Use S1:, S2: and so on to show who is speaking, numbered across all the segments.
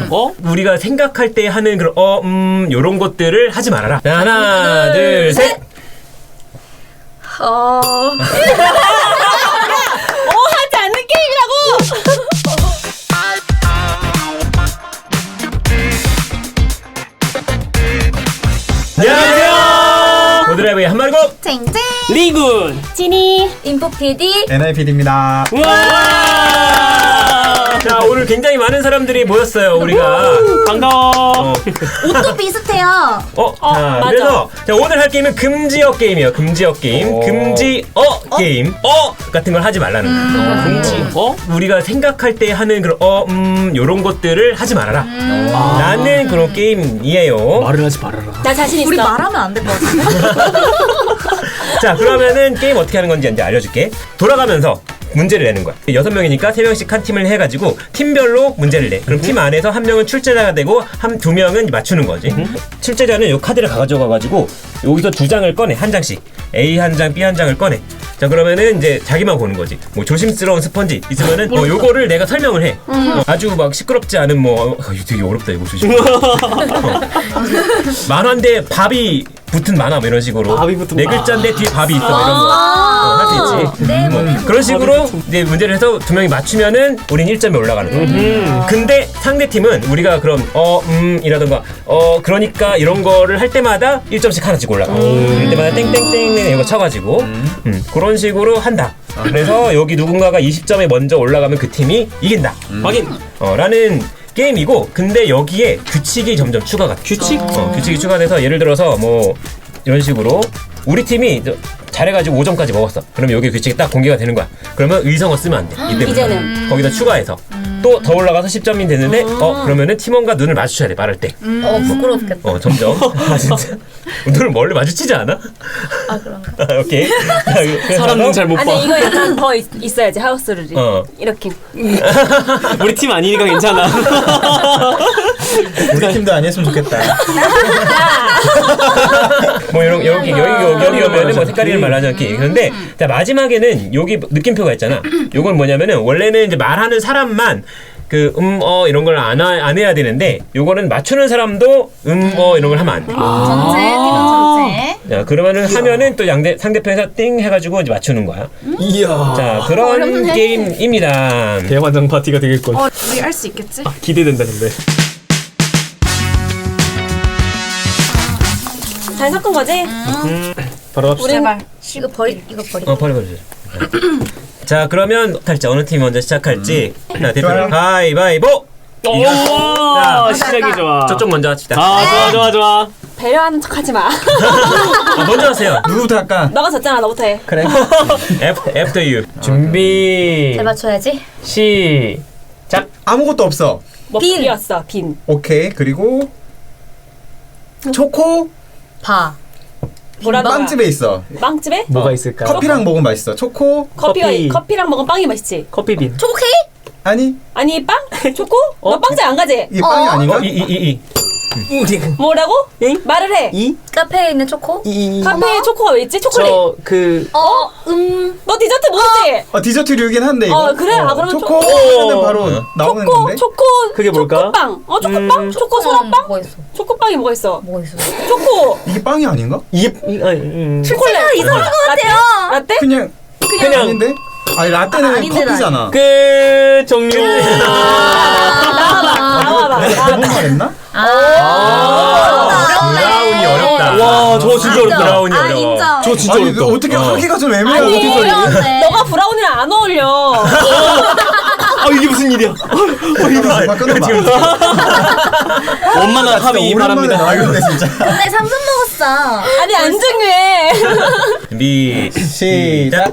S1: 우리가 생각할 때 하는 그런 요런 것들을 하지 말아라. 자, 하나, 둘, 셋.
S2: 하지 않는 게임이라고.
S1: 안녕하세요. 보드라이브의 한마리고
S3: 쟁쟁
S4: 리군
S2: 지니
S3: 인포PD
S5: NIPD입니다.
S1: 자, 오늘 굉장히 많은 사람들이 모였어요. 우리가
S4: 반가워.
S3: 옷도 비슷해요.
S1: 자,
S2: 맞아.
S1: 그래서 자, 오늘 할 게임은 금지어 게임이에요. 금지어 게임. 금지어 게임. 같은 걸 하지 말라는 거예요.
S4: 금지어?
S1: 우리가 생각할 때 하는 그런 요런 것들을 하지 말아라. 라는 그런 게임이에요.
S4: 말을 하지 말아라.
S2: 나 자신 있어.
S3: 우리 말하면 안 될 것 같은데.
S1: 자, 그러면은 게임 어떻게 하는 건지 이제 알려줄게. 돌아가면서 문제를 내는 거야. 6명이니까 3명씩 한 팀을 해가지고 팀별로 문제를 내. 그럼 팀 안에서 한 명은 출제자가 되고 두 명은 맞추는 거지. 출제자는 요 카드를 가져가가지고 여기서 두 장을 꺼내. 한 장씩. A 한 장, B 한 장을 꺼내. 자, 그러면은 이제 자기만 보는 거지. 뭐 조심스러운 스펀지 있으면은 요거를 내가 설명을 해. 아주 막 시끄럽지 않은 이거 되게 어렵다 이거 조심. 만화인데 밥이 붙은 만화 뭐 이런 식으로.
S4: 밥이 붙은
S1: 네 글자인데 뒤에 밥이 있어 뭐 이런 거. 할 수 있지.
S3: 네,
S1: 그런 식으로 이제 문제를 해서 두 명이 맞추면은 우린 1점이 올라가는 거야. 근데 상대 팀은 우리가 그럼 이라던가 그러니까 이런 거를 할 때마다 1점씩 하나씩 올라가. 그럴 때마다 땡땡땡 이거 쳐가지고 그런 식으로 한다. 그래서 여기 누군가가 20점에 먼저 올라가면 그 팀이 이긴다.
S4: 확인.
S1: 라는 게임이고, 근데 여기에 규칙이 점점 추가가 돼.
S4: 규칙?
S1: 규칙이 추가돼서 예를 들어서 뭐 이런 식으로 우리 팀이 잘해가지고 5점까지 먹었어. 그러면 여기 규칙이 딱 공개가 되는 거야. 그러면 의성어 쓰면 안 돼. 이때부터
S2: 이제는.
S1: 거기다 추가해서 또 더 올라가서 10점이 됐는데 그러면은 팀원과 눈을 마주쳐야 돼. 말할 때.
S3: 부끄럽겠다.
S1: 점점. 진짜. 눈을 멀리 마주치지 않아?
S3: 그런가?
S1: 오케이.
S4: 사람은 잘 못 봐.
S2: 아니 이거 약간 더 있어야지 하우스 룰이. 이렇게.
S4: 우리 팀 아니니까 괜찮아.
S5: 우리 팀도 아니었으면 좋겠다.
S1: 뭐 여기 오면은 뭐 색깔이를 말하지 않기. 그런데 자, 마지막에는 여기 느낌표가 있잖아. 요건 뭐냐면은 원래는 이제 말하는 사람만 이런 걸 안 해야 되는데 요거는 맞추는 사람도 이런 걸 하면 안 돼.
S3: 전체, 팀원 전체.
S1: 자, 그러면은 하면은 또 상대편에서 띵 해가지고 이제 맞추는 거야.
S4: 이야.
S1: 자, 그런
S3: 어렵네.
S1: 게임입니다.
S4: 대환장 파티가 되겠군.
S3: 우리 할 수 있겠지?
S4: 기대된다 근데.
S2: 잘 섞은 거지?
S4: 바로 갑시다.
S3: 제발. 이거 버리.
S1: 버려. 자, 그러면 탈지 어느 팀이 먼저 시작할지. 자, 대표 가위바위보.
S4: 오, 시작이 좋아.
S1: 저쪽 먼저 합시다.
S4: 좋아.
S2: 배려하는 척하지 마.
S1: 먼저 하세요.
S5: 누구부터 할까?
S2: 너가 졌잖아. 너부터 해.
S5: 그래.
S1: After you. 준비.
S3: 잘 맞춰야지.
S1: 시작.
S5: 아무것도 없어.
S2: 뭐
S3: 빈.
S2: 비었어. 빈.
S5: 오케이. 그리고 초코
S2: 뭐라던가.
S5: 빵집에 있어.
S2: 빵집에?
S4: 뭐가 있을까?
S5: 커피랑 먹으면 맛있어. 초코
S2: 커피랑 먹으면 빵이 맛있지.
S4: 커피빈.
S3: 초코 케이크?
S5: 아니
S2: 아니 빵? 초코? 너 빵집 안 가지?
S5: 이게 빵이 아닌가?
S2: 뭐라고? 말을 해.
S3: 카페에 있는 초코?
S2: 카페에 초코가 왜 있지? 초콜릿. 너 디저트 모르지?
S5: 디저트류긴 한데 이거.
S2: 그래? 그러면
S5: 초코 하면은 바로 나오는 건데.
S2: 초코.
S4: 그게 뭘까?
S2: 초코빵. 초코빵? 초코 소라빵?
S3: 뭐가 있어?
S2: 초코빵이 뭐가 있어?
S3: 뭐가 있어?
S2: 초코.
S5: 이게 빵이 아닌가?
S2: 초콜릿.
S3: 이상한 것 같아요.
S2: 라떼?
S5: 그냥 아닌데? 아니 라떼는
S3: 아닌데,
S5: 커피잖아.
S4: 끝 종료.
S2: 나와봐.
S5: 잘못 말했나?
S1: 브라운이 어렵다.
S4: 와, 저거 진짜 어렵다.
S1: 브라운이 어려워.
S3: 인정.
S4: 저 진짜
S5: 아니
S4: 어렵다.
S5: 어떻게 하기가 좀 애매하고.
S3: 어려운데.
S2: 너가 브라운이랑 안 어울려.
S4: 이게 무슨 일이야?
S5: 끊어봐.
S4: 원만한 합의 바랍니다.
S5: 나겠네 진짜.
S3: 근데 3분 먹었어.
S2: 아니 안 중요해.
S1: 준비 시작.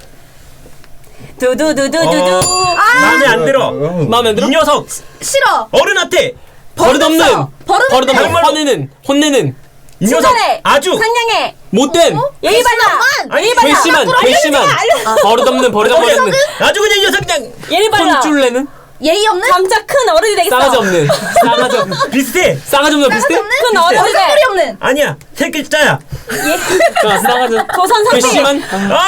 S2: 두두두두두두.
S1: 마음에 안 들어.
S4: 마음에 안 들어?
S1: 이 녀석
S3: 싫어.
S1: 어른한테
S4: 버릇없는.
S3: 버릇없는.
S4: 화내는. 혼내는.
S1: 이 녀석
S2: 친절해.
S1: 아주
S2: 상냥해.
S4: 못된.
S2: 예의 바라. 예의 바라.
S4: 괘씸한. 버릇없는.
S1: 아주 그냥 이 녀석 그냥
S2: 예의 바라.
S4: 혼쭐내는.
S3: 예의 없는?
S2: 점차 큰 어른이 되겠어.
S4: 싸가지 없는.
S1: 비슷해.
S4: 싸가지 없는 비슷해?
S2: 큰 어른이 돼.
S3: 얼굴이 없는.
S1: 아니야, 세 글자야.
S4: 싸가지.
S2: 조선 선비.
S4: 괘씸한.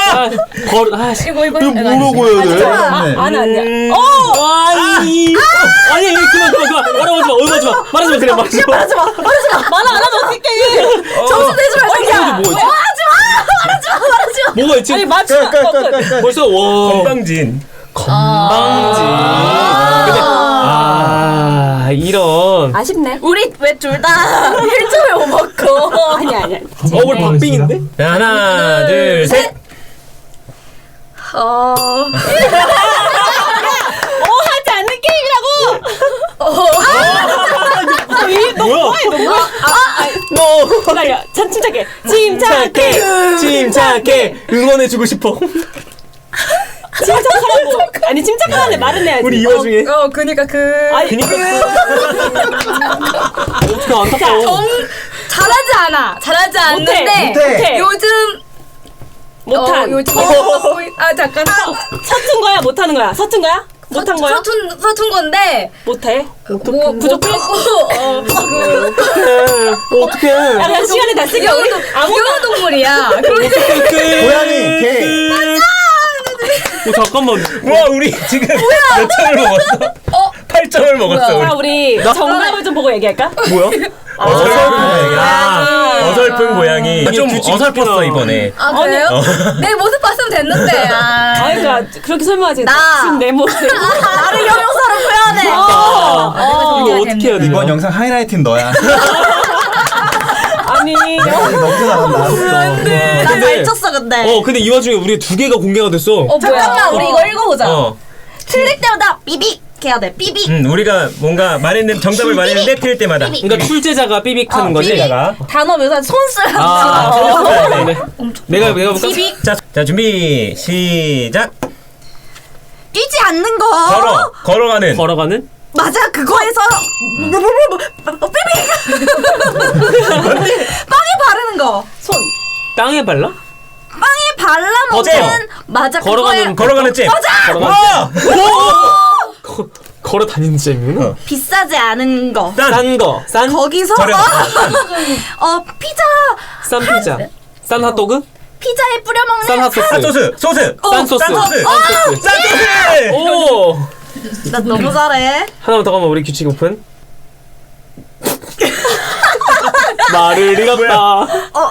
S2: 이거
S4: 뭐라고 해야 돼?
S2: 아니야.
S4: 아니 그만. 어려워지 마. 말하지 마 그래 말하지 마.
S3: 말하지 마.
S2: 말 안 하면 어떡해.
S3: 점수 내지 말자.
S2: 야.
S4: 뭐 있지?
S3: 말하지 마.
S4: 뭐가 있지?
S2: 아니 맞추면 끝.
S4: 벌써 와
S1: 건방진.
S4: 건방지. 근데 이런.
S2: 아쉽네.
S3: 우리 왜 둘 다 1점을 못 먹고.
S2: 아니야.
S4: 우리 박빙인데?
S1: 자, 하나, 둘, 셋.
S2: 하지 않는 게임이라고.
S4: 뭐야? 너
S2: 기다려. 침착해. 침착해.
S4: 침착해 응원해주고 싶어.
S2: 침착하라고. 아니 침착하는데 말은 해야지.
S4: 우리 이 와중에
S3: 그니까
S2: 아니
S4: 어떻게 안타까워.
S3: 잘하지 않아. 잘하지 않는데
S2: 못해.
S3: 요즘
S2: 못한.
S3: 요즘 잠깐
S2: 서툰 거야? 못하는 거야? 서툰 거야? 못한 거야?
S3: 서툰 건데
S2: 못해.
S3: 뭐
S2: 부족해?
S4: 어떡해.
S2: 야 그냥 시간이 다 쓰게 우리
S3: 귀여운 동물이야.
S5: 고양이, 개.
S4: 잠깐만.
S1: 와, 우리 지금 몇 점을 먹었어? 8점을 먹었어,
S2: 자
S1: 우리.
S2: 우리 정답을 좀 보고 얘기할까?
S4: 뭐야?
S1: 어설픈 고양이. 좀 어설펐어, 이번에.
S3: 그래요?
S1: 어.
S3: 내 모습 봤으면 됐는데.
S2: 그러니까 그렇게 설명하지.
S3: 나.
S2: 지금 내 모습.
S3: 나를 형용사로 표현해.
S4: 이거 어떻게 해야 돼?
S5: 이번 영상 하이라이트는 너야.
S2: 아니
S5: 너무 잘한다.
S3: 나 잘 쳤어 근데.
S4: 근데 이 와중에 우리 두 개가 공개가 됐어.
S3: 잠깐만 우리 이거 읽어보자.
S1: 어.
S3: 틀릴 때마다 삐빅 해야 돼. 삐빅.
S1: 우리가 뭔가 말했는 정답을 말했는데 틀릴 때마다.
S4: 그러니까 출제자가 삐빅하는 거지.
S3: 삐빅.
S1: 내가.
S3: 단어 묘사 손 쓰라.
S1: 네.
S4: 내가 볼까?
S3: 삐빅.
S1: 자, 준비 시작.
S3: 뛰지 않는 거.
S1: 걸어가는.
S4: 걸어가는?
S3: 맞아 그거에서 삐빅. 빵에 바르는 거.
S2: 손.
S4: 땅에 발라?
S3: 빵에 발라
S1: 어때요?
S3: 먹는 맞아
S4: 걸어가는
S1: 걸어가는 잼.
S4: 걸어가는
S1: 와!
S4: 걸어 다니는 잼이구나.
S3: 비싸지 않은 거.
S4: 싼 거. 싼?
S3: 거기서
S1: 저렴.
S3: 피자
S4: 싼 피자. 싼 핫도그?
S3: 피자에 뿌려 먹는
S4: 싼 핫소스.
S1: 핫소스, 소스.
S4: 싼 소스.
S1: 싼 소스.
S4: 싼 소스.
S1: 싼 소스.
S4: 오!
S3: 나 너무 잘해.
S4: 하나만 더 가면 우리 규칙 오픈. 말을 잃었다.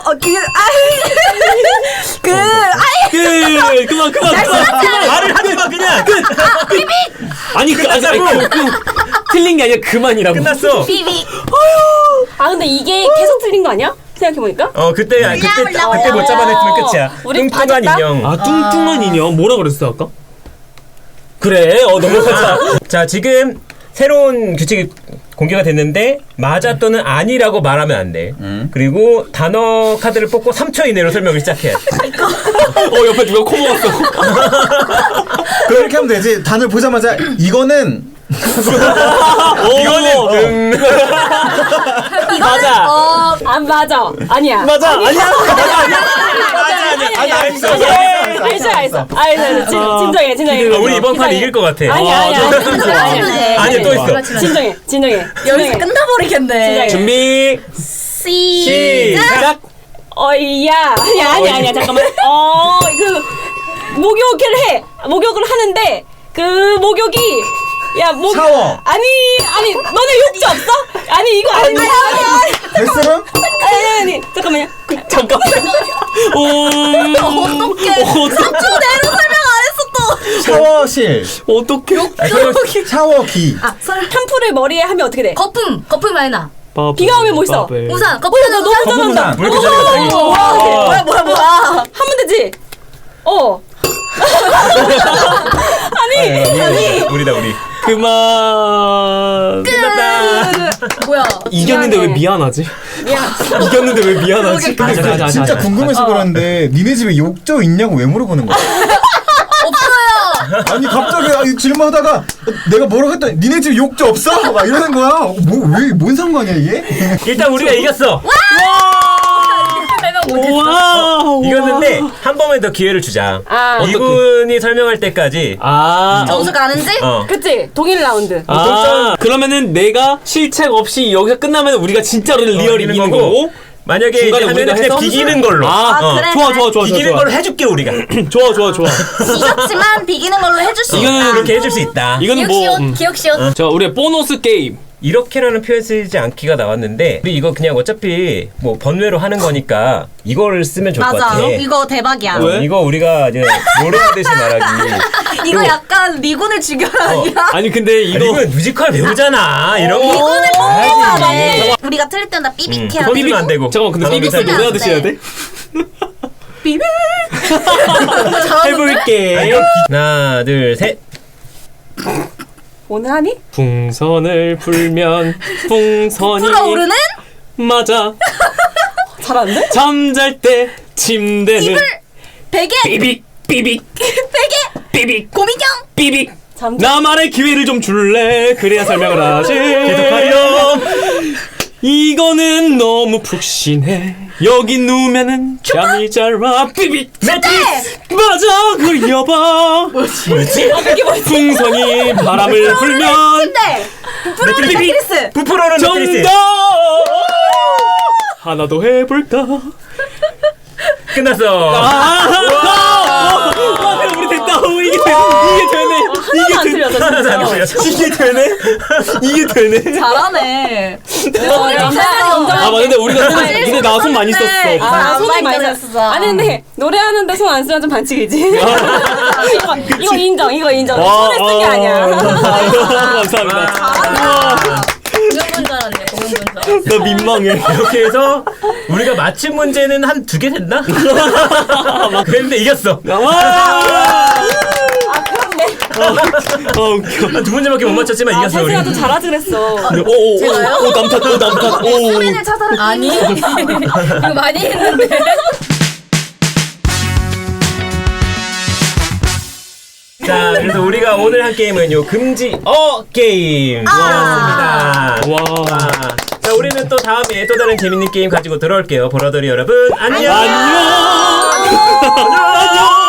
S4: 그만.
S1: 말을 하지 마, 그냥.
S4: 아니 틀린 게 아니라 그만이라고.
S1: 끝났어.
S3: 삐빅.
S2: 아 근데 이게 계속 틀린 거 아니야? 생각해보니까?
S1: 그때 못 잡아냈으면 끝이야.
S2: 우리
S1: 뚱뚱한
S2: 봐줬다?
S1: 인형.
S4: 아 뚱뚱한 인형 뭐라 그랬어 아까? 그래 넘어가자.
S1: 자, 지금 새로운 규칙이 공개가 됐는데 맞아 또는 아니라고 말하면 안 돼. 그리고 단어 카드를 뽑고 3초 이내로 설명을 시작해야 돼.
S4: 옆에 누가 코 먹었어.
S5: 그렇게 하면 되지. 단을 보자마자 이거는
S1: 이거는
S4: 맞아.
S2: 안 맞아. 아니야.
S4: 맞아. 아니야.
S2: 알았어. 진정해.
S1: 우리 이번 판 이길 것 같아.
S2: 아니야.
S1: 아니, 또 있어.
S2: 진정해.
S3: 여기서 끝나버리겠네.
S1: 준비 시작.
S2: 어이야. 아니야. 잠깐만. 목욕을 하는데 그 목욕이
S5: 샤워.
S2: 아니 너네 욕조 없어? 아니 이거 아니
S5: 뱃소름?
S2: 아니 잠깐만요.
S3: 어떡해. 3초 내로 설명 안 했어 또.
S5: 샤워실.
S4: 어떡해.
S5: 샤워기.
S2: 샴푸를 머리에 하면 어떻게 돼?
S3: 거품 많이 나.
S2: 비가 오면 뭐 있어?
S3: 우산.
S2: 너 너무 잘한다.
S1: 왜 이렇게 잘해?
S3: 뭐야.
S2: 하면 되지. 아니
S1: 우리다 우리.
S4: 그만.
S1: 끝났다.
S3: 뭐야.
S4: 이겼는데 왜 미안하지? 이겼는데 왜 미안하지?
S5: 근데 진짜 궁금해서 그러는데 니네 집에 욕조 있냐고 왜 물어보는 거야?
S3: 없어요.
S5: 아니 갑자기 질문하다가 내가 뭐라고 했더니 니네 집에 욕조 없어? 막 이러는 거야. 뭔 상관이야 이게?
S1: 일단 우리가 이겼어.
S4: 와.
S1: 이겼는데 한 번만 더 기회를 주자.
S2: 아.
S1: 이분이 설명할 때까지.
S3: 점수 가는지?
S2: 그치 동일 라운드.
S4: 그러면은 내가 실책 없이 여기서 끝나면 우리가 진짜로 리얼 이기는 거고.
S1: 만약에
S4: 중간에
S1: 하면
S4: 우리가
S1: 그냥
S4: 해서?
S1: 비기는 걸로.
S3: 그래.
S4: 좋아.
S1: 비기는 걸로 해줄게 우리가.
S4: 좋아.
S3: 이겼지만 비기는 걸로 해줄 수 있다.
S4: 이거는
S1: 그렇게 해줄 수 있다.
S4: 이거는 뭐
S3: 기억시옷.
S4: 자, 우리의 보너스 게임.
S1: 이렇게라는 표현 쓰지 않기가 나왔는데 우리 이거 그냥 어차피 뭐 번외로 하는 거니까 이거를 쓰면 좋을 것
S3: 맞아.
S1: 같아.
S3: 이거 대박이야.
S4: 왜?
S1: 이거 우리가 이제 노래하듯이 말하기.
S3: 이거 약간 리곤을 죽여라 아니야?
S4: 아니 근데 이거
S1: 이건 뮤지컬 배우잖아. 이런 거.
S3: 리곤을
S1: 해야지.
S3: 뽑아야지. 우리가 틀릴 때마다 삐빅해야
S1: 그건
S3: 돼.
S1: 쓰면 안 되고.
S4: 잠깐만 근데
S1: 단어를
S4: 삐빅
S1: 쓰면
S3: 삐빅
S4: 노래하듯이 해야 돼?
S3: 삐빅.
S4: 해볼게.
S1: 하나, 둘, 셋.
S2: 오늘 하니?
S4: 풍선을 불면 풍선이
S3: 불어오르는
S4: 맞아.
S2: 잘하는데?
S4: 잠잘 때 침대는
S3: 베개.
S4: 삐빅 삐빅
S3: 베개.
S4: 삐빅
S3: 고민형.
S4: 삐빅.
S2: 잠
S4: 나만의 기회를 좀 줄래? 그래야 설명을 하지.
S1: 계속하렴.
S4: 이거는 너무 푹신해. 여기 누우면은 잠이 잘 와. 삐빅.
S1: 매트리스.
S4: 맞아. 그려봐.
S1: 뭐지?
S4: 풍선이 바람을 불면
S3: 침대. 불어오르는
S1: 매트리스.
S3: 매트리스.
S1: 부풀어오는 매트리스.
S4: 정답. 하나 더 해볼까?
S1: 끝났어.
S4: 아, 우리 됐다. 오, 이게 되네.
S2: 하나도 안 틀렸어
S1: 하나도 안
S2: 진짜.
S1: 틀렸어.
S4: 이게 되네. 이게 되네.
S3: 잘하네.
S4: 아, 근데 우리가 근데 나 손 많이 썼어.
S2: 아, 손이 많이
S3: 많이
S2: 썼어. 아니 근데 노래하는데 손 안 쓰면 좀 반칙이지. 이거 인정, 이거 인정. 손을 쓴 게 아니야.
S4: 감사합니다.
S3: 공연분 줄 알았네. 공연분 줄 알았어.
S4: 나 민망해.
S1: 이렇게 해서 우리가 맞힌 문제는 한 2개 됐나? 그랬는데 이겼어.
S4: 웃겨.
S1: 한 2문제밖에 못 맞췄지만
S2: 아,
S1: 이겼어 우리.
S2: 태수가 좀 잘하지 그랬어.
S4: 오, 남탓. 오.
S3: 소리를 찾아라. 아니. 이거 많이 했는데.
S1: 자, 그래서 우리가 오늘 한 게임은 요 금지 게임이었습니다.
S4: 와.
S1: 자, 우리는 또 다음에 또 다른 재밌는 게임 가지고 돌아올게요. 보라돌이 여러분, 안녕.
S4: 안녕.